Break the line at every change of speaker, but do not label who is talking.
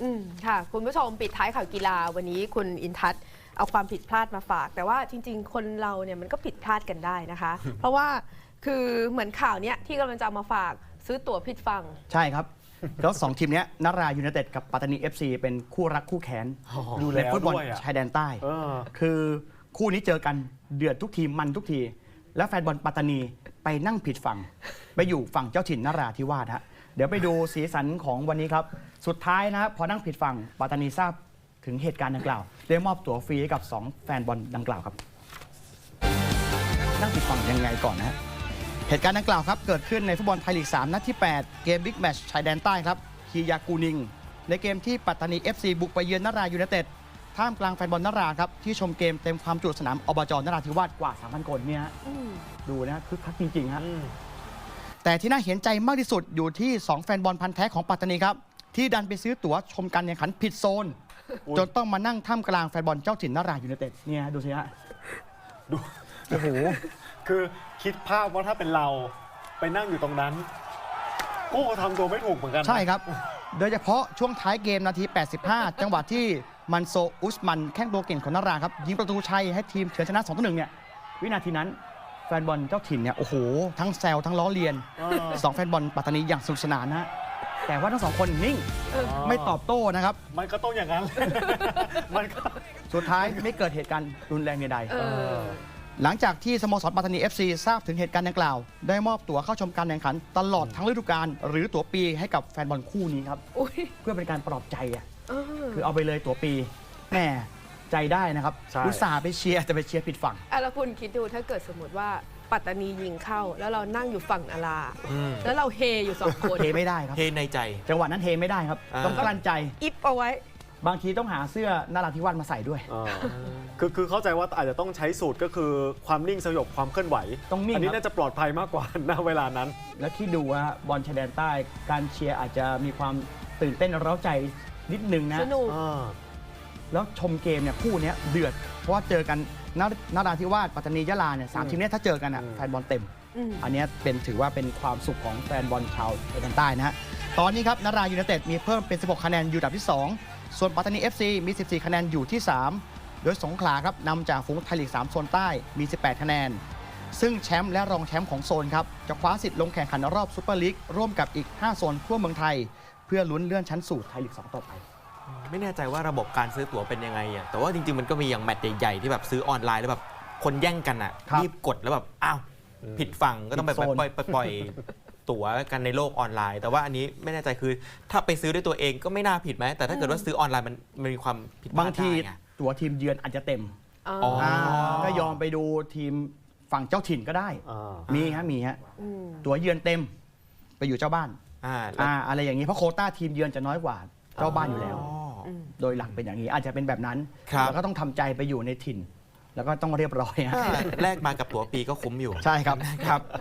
ค่ะคุณผู้ชมปิดท้ายข่าวกีฬาวันนี้คุณอินทัศน์เอาความผิดพลาดมาฝาก แต่ว่าจริงๆคนเราเนี่ยมันก็ผิดพลาดกันได้นะคะ เพราะว่าคือเหมือนข่าวเนี้ยที่กำลังจะเอามาฝากซื้อตั๋วผิดฝั่ง
ใช่ครับแล้ว2ทีมนี้นรายูไนเต็ดกับปัตตานี FC เป็นคู่รักคู่แค้นในฟุตบอลชายแดนใต้คือคู่นี้เจอกันเดือดทุกทีมันทุกทีแล้วแฟนบอลปัตตานีไปนั่งผิดฝั่งไปอยู่ฝั่งเจ้าถิ่นนราธิวาสฮะเดี๋ยวไปดูสีสันของวันนี้ครับสุดท้ายนะครับพอนั่งผิดฝั่งปัตตานีทราบถึงเหตุการณ์ดังกล่าวได้มอบตั๋วฟรีให้กับ2แฟนบอลดังกล่าวครับนั่งผิดฝั่งยังไงก่อนนะฮะเหตุการณ์ดังกล่าวครับเกิดขึ้นในฟุตบอลไทยลีก 3 นัดที่ 8 เกมบิ๊กแมตช์ชายแดนใต้ครับคียากูนิงในเกมที่ปัตตานี FC บุกไปเยือนนรายูไนเต็ดท่ามกลางแฟนบอลนราครับที่ชมเกมเต็มความจุสนามอบจ.นราธิวาสกว่า 3,000 คนเนี่ยดูนะคึกคักจริงๆฮะแต่ที่น่าเห็นใจมากที่สุดอยู่ที่2แฟนบอลพันธุ์แท้ของปัตตานีครับที่ดันไปซื้อตั๋วชมการแข่งขันผิดโซนจนต้องมานั่งท่ามกลางแฟนบอลเจ้าถิ่นนรายูไนเต็ดเนี่ยดูสิฮะดูโอ้โห
คือคิดภาพว่าถ้าเป็นเราไปนั่งอยู่ตรงนั้นก็ทำตัวไม่ถูกเหมือนกัน
ใช่ครับโดยเฉพาะช่วงท้ายเกมนาที 85 จังหวะที่มันโซอุสมันแข้งตัวเก่งของนาราครับยิงประตูชัยให้ทีมเฉือนชนะ 2-1 เนี่ยวินาทีนั้นแฟนบอลเจ้าถิ่นเนี่ยโอ้โหทั้งแซวทั้งล้อเลียน2แฟนบอลปัตตานีอย่างสนุกสนานนะแต่ว่าทั้ง2คนนิ่งไม่ตอบโต้นะครับ
มันก็ต้องอย่างนั้นมันก็
สุดท้ายไม่เกิดเหตุการณ์รุนแรงใดๆหลังจากที่สโมสรปัตตานี FC ทราบถึงเหตุการณ์ดังกล่าวได้มอบตั๋วเข้าชมการแข่งขันตลอดทั้งฤดูกาลหรือตั๋วปีให้กับแฟนบอลคู่นี้ครับเพื่อเป็นการปลอบใจคือเอาไปเลยตั๋วปีแม่ใจได้นะครับอุตส่าห์ไปเชียร์แต่ไปเชียร์ผิดฝั่ง
แล้วคุณคิดดูถ้าเกิดสมมติว่าปัตตานียิงเข้าแล้วเรานั่งอยู่ฝั่งนาราแล้วเราเฮอยู่2 คน
เฮไม่ได้ครับ
เฮในใจ
จังหวะนั้นเฮไม่ได้ครับต้องกลั้นใจ
อิฟเอาไว้
บางทีต้องหาเสื้อนราธิวาสมาใส่ด้วย
คือเข้าใจว่าอาจจะต้องใช้สูตรก็คือความนิ่งสยบความเคลื่อนไหว
ต้องนิ่ง
อันนี้น่าจะปลอดภัยมากกว่าณเวลานั้น
แล้วที่ดูว่าบอลชายแดนใต้การเชียร์อาจจะมีความตื่นเต้นเร้าใจนิดนึงนะ
สนุก
แล้วชมเกมเนี่ยคู่นี้เดือดเพราะว่าเจอกันนราธิวาสปัตตานียะลาเนี่ย3ทีมนี้ถ้าเจอกันแฟนบอลเต็มอันนี้ถือว่าเป็นความสุขของแฟนบอลชาวชายแดนใต้นะฮะตอนนี้ครับนรายูไนเต็ดมีเพิ่มเป็น16คะแนนอยู่อันดับที่2ส่วนปัตตานี FC มี14คะแนนอยู่ที่3โดยสงขลาครับนำจากฝูงไทยลีก3โซนใต้มี18คะแนนซึ่งแชมป์และรองแชมป์ของโซนครับจะคว้าสิทธิ์ลงแข่งขันรอบซุปเปอร์ลีกร่วมกับอีก5โซนทั่วเมืองไทยเพื่อลุ้นเลื่อนชั้นสู่ไทยลีก2ต่อไป
ไม่แน่ใจว่าระบบการซื้อตั๋วเป็นยังไงแต่ว่าจริงๆมันก็มีอย่างแมตช์ใหญ่ๆที่แบบซื้อออนไลน์แล้วแบบคนแย่งกันรีบกดแล้วแบบอ้าวผิดฝั่งก็ต้องไปปล่อยตั๋วกันในโลกออนไลน์แต่ว่าอันนี้ไม่แน่ใจคือถ้าไปซื้อด้วยตัวเองก็ไม่น่าผิดไหมแต่ถ้าเกิดว่าซื้อออนไลน์มันมีความผิดพลาดได้
บางทีตั๋วทีมเยือนอาจจะเต็มก็ยอมไปดูทีมฝั่งเจ้าถิ่นก็ได้มีฮะตั๋วเยือนเต็มไปอยู่เจ้าบ้านอะไรอย่างนี้เพราะโควต้าทีมเยือนจะน้อยกว่าเจ้าบ้านอยู่แล้วโดยหลักเป็นอย่างนี้อาจจะเป็นแบบนั้นแล้วก็ต้องทำใจไปอยู่ในถิ่นแล้วก็ต้องเรียบร้อย
แลกมากับตั๋วปีก็คุ้มอยู่
ใช่ครับ